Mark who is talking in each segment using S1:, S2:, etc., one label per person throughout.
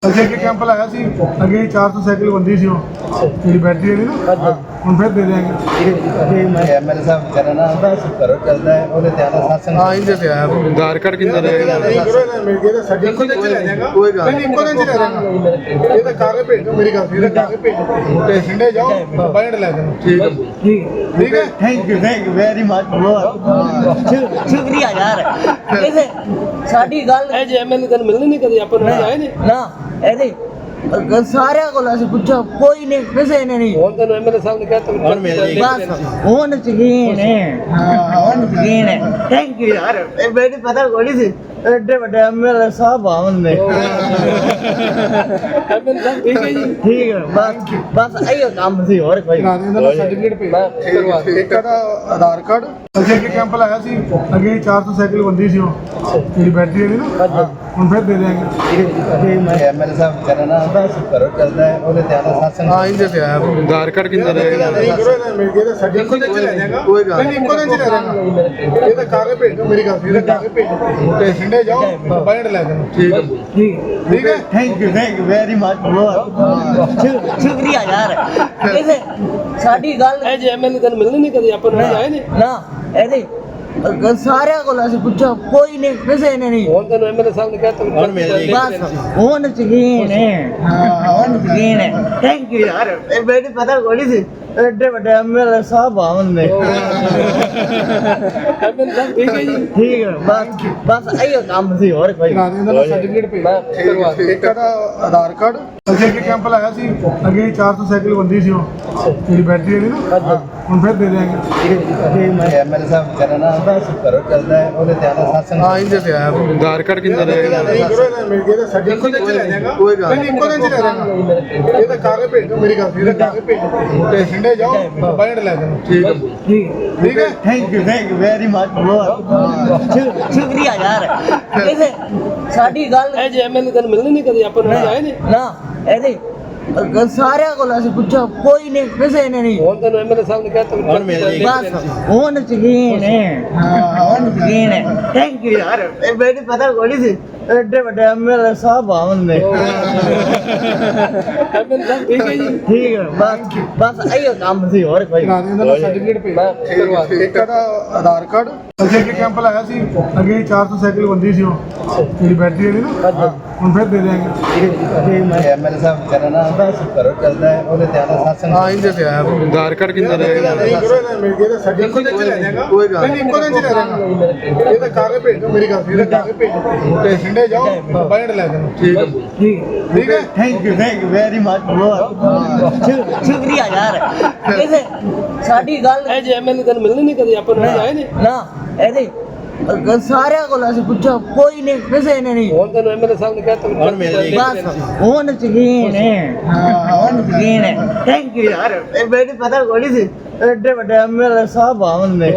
S1: ਅੱਗੇ ਅੱਗੇ ਕੈਂਪ ਲਾਇਆ ਸੀ ਅੱਗੇ 400 ਸਾਈਕਲ ਬੰਦੀ ਸੀ ਉਹ ਜਿਹੜੀ ਬੈਟਰੀ ਵਾਲੀ ਨਾ ਹੁਣ ਫਿਰ ਦੇ ਦਿਆਂਗੇ
S2: ਮੈਂ ਐਮਐਲਏ ਸਾਹਿਬ ਵਿਚਾਰਾ ਨਾ ਘਰੋਂ ਚੱਲਦਾ ਹੈ ਉਹਦੇ ਧਿਆਨ ਨਾਲ ਸਾਸਨ
S1: ਹਾਂ ਇਹਦੇ ਤੇ ਆਇਆ ਆਧਾਰ ਕਾਰਡ ਕਿੰਨਾ ਰਹੇਗਾ ਨਹੀਂ ਕਰੋ ਨਾ ਮਿਲ ਗਿਆ ਤਾਂ ਸਾਡੇ ਇੱਕੋ ਦਿਨ ਚ ਲੈ ਜਾਏਗਾ ਕੋਈ ਗੱਲ ਨਹੀਂ ਇੱਕੋ ਦਿਨ ਚ ਲੈ ਜਾਏਗਾ ਇਹ ਤਾਂ ਕਾਗਜ਼ ਭੇਜ ਦਿਓ ਮੇਰੀ ਗੱਲ ਇਹਦਾ ਕਾਗਜ਼ ਭੇਜ ਦਿਓ ਤੇ ਸਿੰਡੇ ਜਾਓ ਬਾਇੰਡ ਲੈ ਜਾਓ ਠੀਕ ਹੈ ਠੀਕ ਹੈ
S2: ਥੈਂਕ ਯੂ ਵੈਰੀ ਮਚ
S3: ਸ਼ੁਕਰੀਆ ਯਾਰ ਇਹਦੇ ਸਾਡੀ ਗੱਲ
S4: ਇਹ ਜੇ ਐਮਐਲਏ ਤੈਨੂੰ ਮਿਲਣੇ ਨਹੀਂ ਕਦੇ ਆਪਾਂ ਨੂੰ ਆਏ ਨੇ
S3: ਨਾ ਇਹਦੇ ਸਾਰਿਆਂ ਕੋਲ ਅਸੀਂ ਪੁੱਛਿਆ ਕੋਈ ਨਹੀਂ ਕਿਸੇ ਨੇ ਨਹੀਂ
S4: ਹੁਣ ਤੈਨੂੰ ਐਮਐਲਏ ਸਾਹਿਬ ਨੇ ਕਹਿਤਾ
S2: ਹੁਣ ਮਿਲ ਜਾਏਗੀ
S3: ਬਸ ਹੁਣ ਯਕੀਨ ਹੈ ਹਾਂ ਹੁਣ ਯਕੀਨ ਹੈ ਥੈਂਕ ਯੂ ਯਾਰ ਇਹ ਮੈਨੂੰ ਪਤਾ ਕੋਈ ਨਹੀਂ ਸੀ ਐਡੇ ਵੱਡੇ ਐਮਐਲਏ ਸਾਹਿਬ ਆਉਣ ਨੇ
S4: ਐਮਐਲਏ ਸਾਹਿਬ ਠੀਕ ਹੈ ਜੀ
S3: ਠੀਕ ਹੈ ਬਸ ਇਹੋ ਕੰਮ ਸੀ ਹੋਰ ਕੋਈ
S1: ਨਾ ਦੇ ਦਾ ਸਰਟੀਫਿਕੇਟ ਭੇਜ ਇੱਕ ਦਾ ਆਧਾਰ ਕਾਰਡ ਅੱਗੇ ਅੱਗੇ ਕੈਂਪ ਲਾਇਆ ਸੀ ਅੱਗੇ 400 ਸਾਈਕਲ ਬੰਦੀ ਸੀ ਉਹ ਜਿਹੜੀ ਬੈਟਰੀ ਵਾਲੀ ਨਾ ਹੁਣ ਫਿਰ ਦੇ ਦਿਆਂਗੇ
S2: ਮੈਂ ਐਮਐਲਏ ਸਾਹਿਬ ਵਿਚਾਰਾ ਨਾ ਘਰੋਂ ਚੱਲਦਾ ਹੈ ਉਹਦੇ ਧਿਆਨ ਨਾਲ ਸਾਸਨ
S1: ਹਾਂ ਇਹਦੇ ਤੇ ਆਇਆ ਆਧਾਰ ਕਾਰਡ ਕਿੰਨਾ ਰਹੇਗਾ ਨਹੀਂ ਕਰੋ ਨਾ ਮਿਲ ਗਿਆ ਤਾਂ ਸਾਡੇ ਇੱਕੋ ਦਿਨ ਚ ਲੈ ਜਾਏਗਾ ਕੋਈ ਗੱਲ ਨਹੀਂ ਇੱਕੋ ਦਿਨ ਚ ਲੈ ਜਾਏਗਾ ਇਹ ਤਾਂ ਕਾਗਜ਼ ਭੇਜ ਦਿਓ ਮੇਰੀ ਗੱਲ ਇਹਦਾ ਕਾਗਜ਼ ਭੇਜ ਦਿਓ ਤੇ ਸਿੰਡੇ ਜਾਓ ਬਾਇੰਡ ਲੈ ਜਾਓ ਠੀਕ ਹੈ ਠੀਕ ਹੈ
S2: ਥੈਂਕ ਯੂ ਵੈਰੀ ਮਚ
S3: ਸ਼ੁਕਰੀਆ ਯਾਰ ਇਹਦੇ ਸਾਡੀ ਗੱਲ
S4: ਇਹ ਜੇ ਐਮਐਲਏ ਤੈਨੂੰ ਮਿਲਣੇ ਨਹੀਂ ਕਦੇ ਆਪਾਂ ਨੂੰ ਆਏ ਨੇ
S3: ਨਾ ਇਹਦੇ ਸਾਰਿਆਂ ਕੋਲ ਅਸੀਂ ਪੁੱਛਿਆ ਕੋਈ ਨਹੀਂ ਕਿਸੇ ਨੇ ਨਹੀਂ
S4: ਹੁਣ ਤੈਨੂੰ ਐਮਐਲਏ ਸਾਹਿਬ ਨੇ ਕਹਿਤਾ
S2: ਹੁਣ ਮਿਲ ਜਾਏਗੀ
S3: ਬਸ ਹੁਣ ਯਕੀਨ ਹੈ ਹਾਂ ਹੁਣ ਯਕੀਨ ਹੈ ਥੈਂਕ ਯੂ ਯਾਰ ਇਹ ਮੈਨੂੰ ਪਤਾ ਕੋਈ ਨਹੀਂ ਸੀ ਐਡੇ ਵੱਡੇ ਐਮਐਲਏ ਸਾਹਿਬ ਆਉਣ ਨੇ
S4: ਐਮਐਲਏ ਸਾਹਿਬ ਠੀਕ ਹੈ ਜੀ
S3: ਠੀਕ ਹੈ ਬਸ ਇਹੋ ਕੰਮ ਸੀ ਹੋਰ ਕੋਈ
S1: ਨਾ ਦੇ ਦਾ ਸਰਟੀਫਿਕੇਟ ਭੇਜ ਇੱਕ ਦਾ ਆਧਾਰ ਕਾਰਡ ਅੱਗੇ ਅੱਗੇ ਕੈਂਪ ਲਾਇਆ ਸੀ ਅੱਗੇ 400 ਸਾਈਕਲ ਬੰਦੀ ਸੀ ਉਹ ਜਿਹੜੀ ਬੈਟਰੀ ਵਾਲੀ ਨਾ ਹੁਣ ਫਿਰ ਦੇ ਦਿਆਂਗੇ
S2: ਮੈਂ ਐਮਐਲਏ ਸਾਹਿਬ ਵਿਚਾਰਾ ਨਾ ਘਰੋਂ ਚੱਲਦਾ ਹੈ ਉਹਦੇ ਧਿਆਨ ਨਾਲ ਸਾਸਨ
S1: ਹਾਂ ਇਹਦੇ ਤੇ ਆਇਆ ਆਧਾਰ ਕਾਰਡ ਕਿੰਨਾ ਰਹੇਗਾ ਨਹੀਂ ਕਰੋ ਨਾ ਮਿਲ ਗਿਆ ਤਾਂ ਸਾਡੇ ਇੱਕੋ ਦਿਨ ਚ ਲੈ ਜਾਏਗਾ ਕੋਈ ਗੱਲ ਨਹੀਂ ਇੱਕੋ ਦਿਨ ਚ ਲੈ ਜਾਏਗਾ ਇਹ ਤਾਂ ਕਾਗਜ਼ ਭੇਜ ਦਿਓ ਮੇਰੀ ਗੱਲ ਇਹਦਾ ਕਾਗਜ਼ ਭੇਜ ਦਿਓ ਤੇ ਸਿੰਡੇ ਜਾਓ ਬਾਇੰਡ ਲੈ ਜਾਓ ਠੀਕ ਹੈ ਠੀਕ ਹੈ
S2: ਥੈਂਕ ਯੂ ਵੈਰੀ ਮਚ
S3: ਸ਼ੁਕਰੀਆ ਯਾਰ ਇਹਦੇ ਸਾਡੀ ਗੱਲ
S4: ਇਹ ਜੇ ਐਮਐਲਏ ਤੈਨੂੰ ਮਿਲਣੇ ਨਹੀਂ ਕਦੇ ਆਪਾਂ ਨੂੰ ਆਏ ਨੇ
S3: ਨਾ ਇਹਦੇ ਸਾਰਿਆਂ ਕੋਲ ਅਸੀਂ ਪੁੱਛਿਆ ਕੋਈ ਨਹੀਂ ਕਿਸੇ ਨੇ ਨਹੀਂ
S4: ਹੁਣ ਤੈਨੂੰ ਐਮਐਲਏ ਸਾਹਿਬ ਨੇ ਕਹਿਤਾ
S2: ਹੁਣ ਮਿਲ ਜਾਏਗੀ
S3: ਬਸ ਹੁਣ ਯਕੀਨ ਹੈ ਹਾਂ ਹੁਣ ਯਕੀਨ ਹੈ ਥੈਂਕ ਯੂ ਯਾਰ ਇਹ ਮੈਨੂੰ ਪਤਾ ਕੋਈ ਨਹੀਂ ਸੀ ਐਡੇ ਵੱਡੇ ਐਮਐਲਏ ਸਾਹਿਬ ਆਉਣ ਨੇ
S4: ਐਮਐਲਏ ਸਾਹਿਬ ਠੀਕ ਹੈ ਜੀ
S3: ਠੀਕ ਹੈ ਬਸ ਇਹੋ ਕੰਮ ਸੀ ਹੋਰ ਕੋਈ
S1: ਨਾ ਦੇ ਦਾ ਸਰਟੀਫਿਕੇਟ ਭੇਜ ਇੱਕ ਦਾ ਆਧਾਰ ਕਾਰਡ ਅੱਗੇ ਅੱਗੇ ਕੈਂਪ ਲਾਇਆ ਸੀ ਅੱਗੇ 400 ਸਾਈਕਲ ਬੰਦੀ ਸੀ ਉਹ ਜਿਹੜੀ ਬੈਟਰੀ ਵਾਲੀ ਨਾ ਹੁਣ ਫਿਰ ਦੇ ਦਿਆਂਗੇ
S2: ਮੈਂ ਐਮਐਲਏ ਸਾਹਿਬ ਵਿਚਾਰਾ ਨਾ ਘਰੋਂ ਚੱਲਦਾ ਹੈ ਉਹਦੇ ਧਿਆਨ ਨਾਲ ਸਾਸਨ
S1: ਹਾਂ ਇਹਦੇ ਤੇ ਆਇਆ ਆਧਾਰ ਕਾਰਡ ਕਿੰਨਾ ਰਹੇਗਾ ਨਹੀਂ ਕਰੋ ਨਾ ਮਿਲ ਗਿਆ ਤਾਂ ਸਾਡੇ ਇੱਕੋ ਦਿਨ ਚ ਲੈ ਜਾਏਗਾ ਕੋਈ ਗੱਲ ਨਹੀਂ ਇੱਕੋ ਦਿਨ ਚ ਲੈ ਜਾਏਗਾ ਇਹ ਤਾਂ ਕਾਗਜ਼ ਭੇਜ ਦਿਓ ਮੇਰੀ ਗੱਲ ਇਹਦਾ ਕਾਗਜ਼ ਭੇਜ ਦਿਓ ਤੇ ਸਿੰਡੇ ਜਾਓ ਬਾਇੰਡ ਲੈ ਜਾਓ ਠੀਕ ਹੈ ਠੀਕ ਹੈ
S2: ਥੈਂਕ ਯੂ ਵੈਰੀ ਮਚ
S3: ਸ਼ੁਕਰੀਆ ਯਾਰ ਇਹਦੇ ਸਾਡੀ ਗੱਲ
S4: ਇਹ ਜੇ ਐਮਐਲਏ ਤੈਨੂੰ ਮਿਲਣੇ ਨਹੀਂ ਕਦੇ ਆਪਾਂ ਨੂੰ ਆਏ ਨੇ
S3: ਨਾ ਇਹਦੇ ਸਾਰਿਆਂ ਕੋਲ ਅਸੀਂ ਪੁੱਛਿਆ ਕੋਈ ਨਹੀਂ ਕਿਸੇ ਨੇ ਨਹੀਂ
S4: ਹੁਣ ਤੈਨੂੰ ਐਮਐਲਏ ਸਾਹਿਬ ਨੇ ਕਹਿਤਾ
S2: ਹੁਣ ਮਿਲ ਜਾਏਗੀ
S3: ਬਸ ਹੁਣ ਯਕੀਨ ਹੈ ਹਾਂ ਹੁਣ ਯਕੀਨ ਹੈ ਥੈਂਕ ਯੂ ਯਾਰ ਇਹ ਮੈਨੂੰ ਪਤਾ ਕੋਈ ਨਹੀਂ ਸੀ ਐਡੇ ਵੱਡੇ ਐਮਐਲਏ ਸਾਹਿਬ ਆਉਣ ਨੇ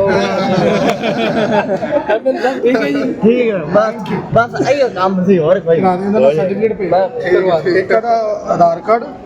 S4: ਐਮਐਲਏ ਸਾਹਿਬ ਠੀਕ ਹੈ ਜੀ
S3: ਠੀਕ ਹੈ ਬਸ ਇਹੋ ਕੰਮ ਸੀ ਹੋਰ ਕੋਈ
S1: ਨਾ ਦੇ ਦਾ ਸਰਟੀਫਿਕੇਟ ਭੇਜ ਇੱਕ ਦਾ ਆਧਾਰ ਕਾਰਡ